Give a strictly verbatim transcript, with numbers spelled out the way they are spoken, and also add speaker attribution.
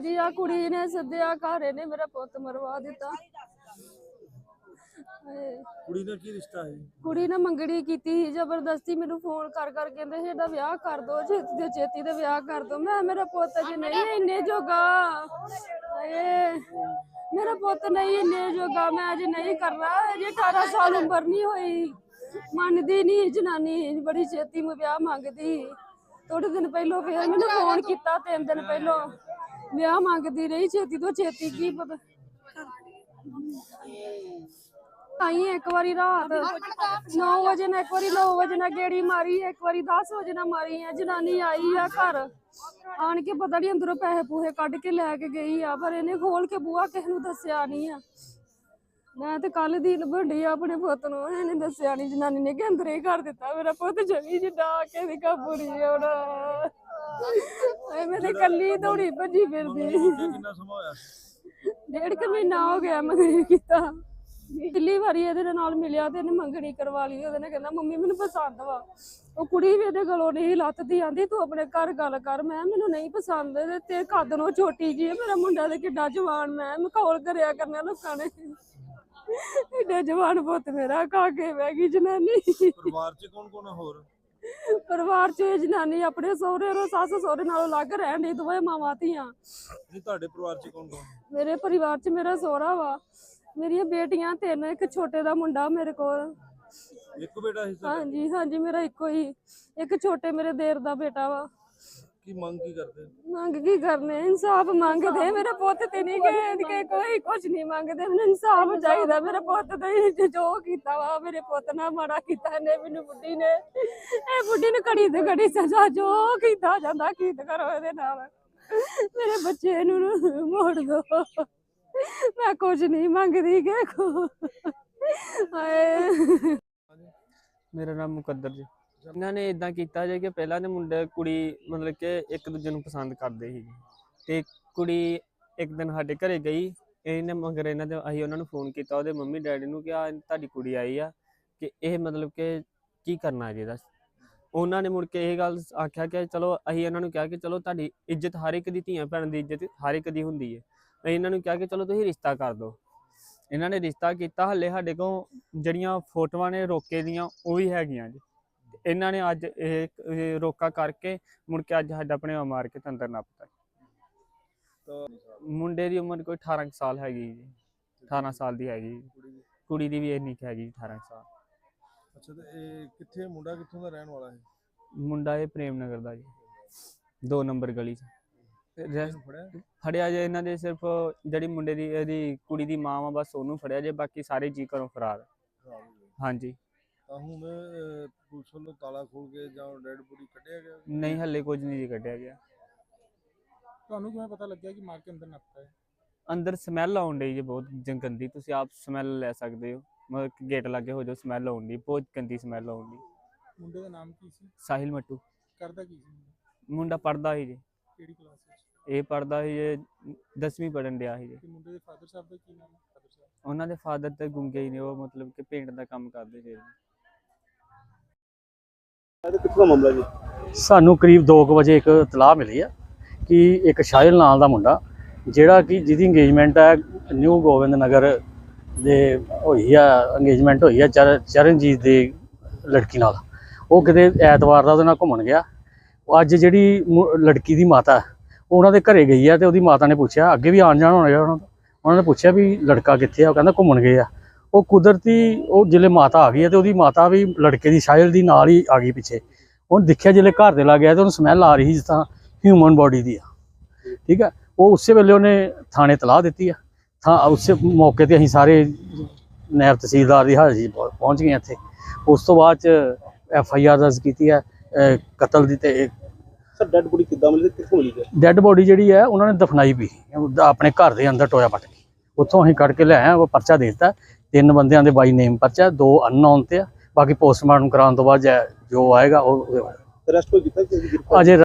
Speaker 1: ਮੇਰੀ ਆ ਕੁੜੀ ਨੇ ਸੱਦਿਆ ਘਰ, ਨੇ ਮੇਰਾ ਪੁੱਤ ਮਰਵਾ ਦਿੱਤਾ।
Speaker 2: ਕੁੜੀ ਨਾਲ ਕੀ ਰਿਸ਼ਤਾ ਹੈ?
Speaker 1: ਕੁੜੀ ਨੇ ਮੰਗਣੀ ਕੀਤੀ ਸੀ ਜ਼ਬਰਦਸਤੀ, ਮੈਨੂੰ ਫੋਨ ਕਰ ਕਰ ਕਹਿੰਦੇ ਸੀ ਇਹਦਾ ਵਿਆਹ ਕਰ ਦੋ, ਛੇਤੀ ਦੇ ਛੇਤੀ ਤੇ ਵਿਆਹ ਕਰ ਦੋ। ਮੈਂ ਮੇਰਾ ਪੁੱਤ ਅਜੇ ਨਹੀਂ ਇੰਨੇ ਜੋਗਾ, ਏ ਮੇਰਾ ਪੁੱਤ ਨਹੀਂ ਇੰਨੇ ਜੋਗਾ, ਮੈਂ ਅਜੇ ਨਹੀਂ ਕਰਨਾ। ਅਜੇ ਅਠਾਰਾਂ ਸਾਲ ਉਮਰ ਨਹੀਂ ਹੋਈ, ਮੰਨਦੀ ਨਹੀਂ ਜਨਾਨੀ, ਬੜੀ ਛੇਤੀ ਮੈਂ ਵਿਆਹ ਮੰਗਦੀ। ਥੋੜੇ ਦਿਨ ਪਹਿਲੋਂ ਫਿਰ ਮੈਨੂੰ ਫੋਨ ਕੀਤਾ, ਤਿੰਨ ਦਿਨ ਪਹਿਲੋਂ ਵਿਆਹ ਮੰਗਦੀ ਰਹੀ ਛੇਤੀ ਤੋਂ ਛੇਤੀ। ਕੀ ਪਤਾ ਆਈ ਇੱਕ ਵਾਰੀ ਰਾਤ ਨੌ ਵਜੇ ਨਾ, ਇੱਕ ਵਾਰੀ ਨੌ ਵਜੇ ਨਾ ਗੇੜੀ ਮਾਰੀ, ਇੱਕ ਵਾਰੀ ਦਸ ਵਜੇ ਨਾ ਮਾਰੀ ਆ। ਜਨਾਨੀ ਆਈ ਆ ਘਰ ਆਣ ਕੇ, ਪਤਾ ਨਹੀਂ ਅੰਦਰੋਂ ਪੈਸੇ ਪੂਹੇ ਕੱਢ ਕੇ ਲੈ ਕੇ ਗਈ ਆ, ਪਰ ਇਹਨੇ ਖੋਲ ਕੇ ਬੂਹਾ ਕਿਸੇ ਨੂੰ ਦੱਸਿਆ ਨਹੀਂ ਆ। ਮੈਂ ਤੇ ਕੱਲ ਦੀ ਲੱਭਣੀ ਆ ਆਪਣੇ ਪੁੱਤ ਨੂੰ, ਇਹਨੇ ਦੱਸਿਆ ਨਹੀਂ। ਜਨਾਨੀ ਨੇ ਕਿ ਅੰਦਰ ਹੀ ਕਰ ਦਿੱਤਾ ਮੇਰਾ ਪੁੱਤ, ਜਮੀ ਜਿੱਡਾ ਕੇ ਦੀ ਕਾਬੂ ਨਹੀਂ ਆਉਣਾ। ਮੈਂ ਤੇ ਕੱਲੀ ਦੌੜੀ ਭੱਜੀ ਫਿਰਦੀ।
Speaker 2: ਕਿੰਨਾ ਸਮਾਂ ਹੋਇਆ?
Speaker 1: ਡੇਢ ਕੁ ਮਹੀਨਾ ਹੋ ਗਿਆ ਮੰਗਣੀ ਕੀਤਾ। ਪਹਿਲੀ ਵਾਰੀ ਇਹਦੇ ਨਾਲ ਮਿਲਿਆ ਤੇ ਇਹਨੇ ਮੰਗਣੀ ਕਰਵਾ ਲਈ। ਉਹਦੇ ਨੇ ਕਹਿੰਦਾ ਮੰਮੀ ਮੈਨੂੰ ਪਸੰਦ ਵਾ। ਉਹ ਕੁੜੀ ਵੀ ਇਹਦੇ ਗਲੋਂ ਨਹੀਂ ਲੱਥਦੀ, ਆਂਦੀ ਤੂੰ ਆਪਣੇ ਘਰ ਗੱਲ ਕਰ। ਮੈਂ ਮੈਨੂੰ ਨਹੀਂ ਪਸੰਦ ਤੇ ਕੱਦ ਨੂੰ ਛੋਟੀ ਜੀ, ਮੇਰਾ ਮੁੰਡਾ ਤੇ ਕਿੱਡਾ ਜਵਾਨ, ਮੈਂ ਮਖੌਲ ਕਰਿਆ ਕਰਨਾ ਲੋਕਾਂ ਨੇ। ਏਡਾ ਜਵਾਨ ਪੁੱਤ ਮੇਰਾ ਖਾ ਕੇ ਬਹਿ ਗਈ ਜਨਾਨੀ।
Speaker 2: ਪਰਿਵਾਰ ਚ ਕੌਣ ਕੌਣ ਹੋਰ?
Speaker 1: ਪਰਿਵਾਰ ਚ ਇਹ ਜਨਾਨੀ ਆਪਣੇ ਸਹੁਰੇ ਰੋ ਸੱਸ ਸਹੁਰੇ ਨਾਲੋਂ ਅਲੱਗ ਰਹਿਣ ਦੀ, ਦੋਵੇਂ ਮਾਵਾਂ ਧੀਆਂ।
Speaker 2: ਨਹੀਂ ਤੁਹਾਡੇ ਪਰਿਵਾਰ ਚ ਕੌਣ ਕੌਣ?
Speaker 1: ਮੇਰੇ ਪਰਿਵਾਰ ਚ ਮੇਰਾ ਸਹੁਰਾ ਵਾ, ਮੇਰੀਆਂ ਬੇਟੀਆਂ ਤਿੰਨ, ਇੱਕ ਛੋਟੇ ਦਾ ਮੁੰਡਾ ਮੇਰੇ ਕੋਲ।
Speaker 2: ਇੱਕ ਬੇਟਾ ਸੀ?
Speaker 1: ਹਾਂਜੀ ਹਾਂਜੀ ਮੇਰਾ ਇੱਕੋ ਹੀ, ਇੱਕ ਛੋਟੇ ਮੇਰੇ ਦੇਰ ਦਾ ਬੇਟਾ ਵਾ।
Speaker 2: ਕੀ ਮੰਗ ਕੀ ਕਰਦੇ?
Speaker 1: ਮੰਗ ਕੀ ਕਰਨੇ, ਇਨਸਾਫ ਮੰਗਦੇ। ਮੇਰੇ ਪੁੱਤ ਤੇ ਨਹੀਂ ਗਏ ਕੋਈ ਕੁਝ ਨਹੀਂ ਮੰਗਦੇ, ਮੈਨੂੰ ਇਨਸਾਫ ਚਾਹੀਦਾ। ਮੇਰੇ ਪੁੱਤ ਤੇ ਜੋ ਕੀਤਾ ਵਾ, ਮੇਰੇ ਪੁੱਤ ਨਾਲ ਮਾੜਾ ਕੀਤਾ ਨੇ ਮੈਨੂੰ ਬੁੱਢੀ ਨੇ। ਇਹ ਬੁੱਢੀ ਨੂੰ ਘੜੀ ਤੇ ਘੜੀ ਸਜ਼ਾ ਜੋ ਕੀਤਾ ਜਾਂਦਾ ਕੀਤਾ ਕਰੋ ਇਹਦੇ ਨਾਲ। ਮੇਰੇ ਬੱਚੇ ਨੂੰ ਮੋੜ ਦੋ, ਮੈਂ ਕੁਝ ਨਹੀਂ ਮੰਗਦੀ ਕਿ ਕੋ। ਹਾਏ
Speaker 3: ਮੇਰਾ ਨਾਮ ਮੁਕੱਦਰ ਜੀ। ਇਹਨਾਂ ਨੇ ਇਦਾਂ ਕੀਤਾ ਜੇ ਕਿ ਪਹਿਲਾਂ ਦੇ ਮੁੰਡੇ ਕੁੜੀ ਮਤਲਬ ਕਿ ਇੱਕ ਦੂਜੇ ਨੂੰ ਪਸੰਦ ਕਰਦੇ ਸੀ, ਤੇ ਕੁੜੀ ਇੱਕ ਦਿਨ ਸਾਡੇ ਘਰੇ ਗਈ। ਇਹਨੇ ਮਗਰ ਇਹਨਾਂ ਦੇ ਅਸੀਂ ਉਹਨਾਂ ਨੂੰ ਫੋਨ ਕੀਤਾ, ਉਹਦੇ ਮੰਮੀ ਡੈਡੀ ਨੂੰ, ਕਿ ਆ ਤੁਹਾਡੀ ਕੁੜੀ ਆਈ ਆ, ਕਿ ਇਹ ਮਤਲਬ ਕਿ ਕੀ ਕਰਨਾ ਜੀ ਇਹਦਾ। ਉਹਨਾਂ ਨੇ ਮੁੜ ਕੇ ਇਹ ਗੱਲ ਆਖਿਆ ਕਿ ਚਲੋ, ਅਸੀਂ ਇਹਨਾਂ ਨੂੰ ਕਿਹਾ ਕਿ ਚਲੋ ਤੁਹਾਡੀ ਇੱਜ਼ਤ ਹਰ ਇੱਕ ਦੀ, ਧੀਆਂ ਭੈਣ ਦੀ ਇੱਜ਼ਤ ਹਰ ਇੱਕ ਦੀ ਹੁੰਦੀ ਹੈ। ਅਸੀਂ ਇਹਨਾਂ ਨੂੰ ਕਿਹਾ ਕਿ ਚਲੋ ਤੁਸੀਂ ਰਿਸ਼ਤਾ ਕਰ ਦਿਓ। ਇਹਨਾਂ ਨੇ ਰਿਸ਼ਤਾ ਕੀਤਾ। ਹਲੇ ਸਾਡੇ ਕੋਲ ਜਿਹੜੀਆਂ ਫੋਟੋਆਂ ਨੇ ਰੋਕੇ ਦੀਆਂ ਉਹ ਵੀ ਹੈਗੀਆਂ ਜੀ। ਇਹਨਾਂ ਨੇ ਅੱਜ ਇਹ ਰੋਕਾ ਕਰਕੇ ਮੁੜ ਕੇ ਅੱਜ ਸਾਡਾ ਆਪਣੇ ਮਾਰ ਕੇ ਅੰਦਰ ਨੱਪਤਾ। ਮੁੰਡੇ ਦੀ ਉਮਰ ਕੋਈ ਅਠਾਰਾਂ ਸਾਲ ਹੈਗੀ ਜੀ, ਅਠਾਰਾਂ ਸਾਲ ਦੀ ਹੈਗੀ। ਕੁੜੀ ਦੀ ਵੀ ਇੰਨੀ ਹੈਗੀ ਅਠਾਰਾਂ ਸਾਲ।
Speaker 2: ਅੱਛਾ, ਤੇ ਇਹ ਕਿੱਥੇ ਮੁੰਡਾ ਕਿੱਥੋਂ ਦਾ ਰਹਿਣ ਵਾਲਾ ਹੈ?
Speaker 3: ਮੁੰਡਾ ਇਹ ਪ੍ਰੇਮ ਨਗਰ ਦਾ ਜੀ, ਦੋ ਨੰਬਰ ਗਲੀ 'ਚ। ਫੜਿਆ ਜੇ ਇਹਨਾਂ ਦੇ ਸਿਰਫ ਜਿਹੜੀ ਮੁੰਡੇ ਦੀ ਇਹਦੀ ਕੁੜੀ ਦੀ ਮਾਂ ਵਾ, ਬਸ ਉਹਨੂੰ ਫੜਿਆ ਜੇ, ਬਾਕੀ ਸਾਰੇ ਜੀ ਘਰੋਂ ਫਰਾਰ। ਹਾਂਜੀ।
Speaker 2: ਤਾਂ ਹੁਣ ਪੁਲਿਸ ਵੱਲੋਂ ਤਾਲਾ ਖੋਲ ਕੇ ਜਾਂ ਡੈਡ ਬੋਡੀ ਕੱਢਿਆ ਗਿਆ?
Speaker 3: ਨਹੀਂ, ਹਲੇ ਕੁਝ ਨਹੀਂ ਜੀ ਕੱਢਿਆ ਗਿਆ।
Speaker 4: ਤੁਹਾਨੂੰ ਕਿਵੇਂ ਪਤਾ ਲੱਗਿਆ ਕਿ ਮਾਰ ਕੇ ਅੰਦਰ ਨੱਪਤਾ ਹੈ?
Speaker 3: ਅੰਦਰ ਸਮੈਲ ਆਉਣ ਡਈ ਜੀ ਬਹੁਤ ਗੰਦੀ, ਤੁਸੀਂ ਆਪ ਸਮੈਲ ਲੈ ਸਕਦੇ ਹੋ। ਮਤਲਬ ਗੇਟ ਲਾਗੇ ਹੋ ਜਾਓ, ਸਮੈਲ ਆਉਣ ਡਈ, ਬਹੁਤ ਗੰਦੀ ਸਮੈਲ ਆਉਣ ਡਈ।
Speaker 4: ਮੁੰਡੇ ਦਾ ਨਾਮ ਕੀ ਸੀ?
Speaker 3: ਸਾਹਿਲ ਮੱਟੂ।
Speaker 4: ਕਰਦਾ ਕੀ ਸੀ
Speaker 3: ਮੁੰਡਾ? ਪੜ੍ਹਦਾ ਸੀ ਜੀ।
Speaker 4: ਕਿਹੜੀ ਕਲਾਸ ਵਿੱਚ?
Speaker 3: ਇਹ ਪੜ੍ਹਦਾ ਸੀ ਜੀ, ਦਸਵੀਂ ਪੜ੍ਹਨ ਡਿਆ ਸੀ ਜੀ।
Speaker 4: ਤੇ ਮੁੰਡੇ ਦੇ ਫਾਦਰ ਸਾਹਿਬ ਦਾ ਕੀ ਨਾਮ ਹੈ? ਫਾਦਰ ਸਾਹਿਬ
Speaker 3: ਉਹਨਾਂ ਦੇ ਫਾਦਰ ਤੇ ਗੁੰਗੇ ਹੀ ਨੇ, ਉਹ ਮਤਲਬ ਕਿ ਪੇਂਟ ਦਾ ਕੰਮ ਕਰਦੇ ਸੀ।
Speaker 2: ਕਿੱਥੋਂ ਮਾਮਲਾ ਜੀ?
Speaker 5: ਸਾਨੂੰ ਕਰੀਬ ਦੋ ਕੁ ਵਜੇ ਇੱਕ ਇਤਲਾਹ ਮਿਲੀ ਆ ਕਿ ਇੱਕ ਸ਼ਾਹਿਲ ਨਾਂ ਦਾ ਮੁੰਡਾ, ਜਿਹੜਾ ਕਿ ਜਿਹਦੀ ਇੰਗੇਜਮੈਂਟ ਹੈ ਨਿਊ ਗੋਬਿੰਦ ਨਗਰ ਦੇ ਹੋਈ ਆ, ਇੰਗੇਜਮੈਂਟ ਹੋਈ ਆ ਚਰ ਚਰਨਜੀਤ ਦੀ ਲੜਕੀ ਨਾਲ। ਉਹ ਕਿਤੇ ਐਤਵਾਰ ਦਾ ਉਹਦੇ ਨਾਲ ਘੁੰਮਣ ਗਿਆ। ਅੱਜ ਜਿਹੜੀ ਲੜਕੀ ਦੀ ਮਾਤਾ ਉਹਨਾਂ ਦੇ ਘਰੇ ਗਈ ਆ, ਤੇ ਉਹਦੀ ਮਾਤਾ ਨੇ ਪੁੱਛਿਆ, ਅੱਗੇ ਵੀ ਆਉਣ ਜਾਣ ਹੋਣਾ ਉਹਨਾਂ ਦਾ, ਉਹਨਾਂ ਨੇ ਪੁੱਛਿਆ ਵੀ ਲੜਕਾ ਕਿੱਥੇ ਆ? ਉਹ ਕਹਿੰਦਾ ਘੁੰਮਣ ਗਏ ਆ। ਉਹ ਕੁਦਰਤੀ ਉਹ ਜਿਹੜੇ ਮਾਤਾ ਆ ਗਈ ਹੈ, ਤੇ ਉਹਦੀ ਮਾਤਾ ਵੀ ਲੜਕੇ ਦੀ ਸ਼ਾਇਲ ਦੀ ਨਾਲ ਹੀ ਆ ਗਈ ਪਿੱਛੇ। ਉਹਨੇ ਦੇਖਿਆ ਜਿਹੜੇ ਘਰ ਦੇ ਲੱਗ ਗਿਆ, ਤੇ ਉਹਨੂੰ ਸਮੈਲ ਆ ਰਹੀ ਜਿਸ ਤਰ੍ਹਾਂ ਹਿਊਮਨ ਬੋਡੀ ਦੀ ਆ। ਠੀਕ ਹੈ, ਉਹ ਉਸੇ ਵੇਲੇ ਉਹਨੇ ਥਾਣੇ ਤਲਾਹ ਦਿੱਤੀ ਆ। ਥਾਂ ਉਸੇ ਮੌਕੇ ਤੇ ਅਸੀਂ ਸਾਰੇ ਨਾਇਬ ਤਹਿਸੀਲਦਾਰ ਦੀ ਹਾਜ਼ਰੀ ਪਹੁੰਚ ਗਏ ਇੱਥੇ। ਉਸ ਤੋਂ ਬਾਅਦ ਚ ਐਫ ਆਈ ਆਰ ਦਰਜ ਕੀਤੀ ਹੈ ਕਤਲ ਦੀ। ਤੇ
Speaker 2: ਸਰ ਡੈਡ ਬੋਡੀ ਕਿੱਦਾਂ ਮਿਲੀ, ਕਿੱਥੋਂ ਮਿਲੀ?
Speaker 5: ਡੈਡ ਬੋਡੀ ਜਿਹੜੀ ਹੈ ਉਹਨਾਂ ਨੇ ਦਫਨਾਈ ਵੀ ਆਪਣੇ ਘਰ ਦੇ ਅੰਦਰ ਟੋਇਆ ਪੱਟ ਕੇ, ਉੱਥੋਂ ਅਸੀਂ ਕੱਢ ਕੇ ਲੈ ਆਏ। ਉਹ ਪਰਚਾ ਦੇ ਦਿੱਤਾ, ਤਿੰਨ ਬੰਦਿਆਂ ਦੇ ਬਾਈ ਨੇਮ ਪਰਚਾ, ਦੋ ਅਨਨੋਨ ਤੇ ਆ। ਬਾਕੀ ਪੋਸਟਮਾਰਟਮ ਕਰਾਉਣ ਤੋਂ ਬਾਅਦ ਜੋ ਆਏਗਾ ਉਹ
Speaker 2: ਅਰੈਸਟ ਕੋਈ ਕੀਤਾ?
Speaker 5: ਅਜੇ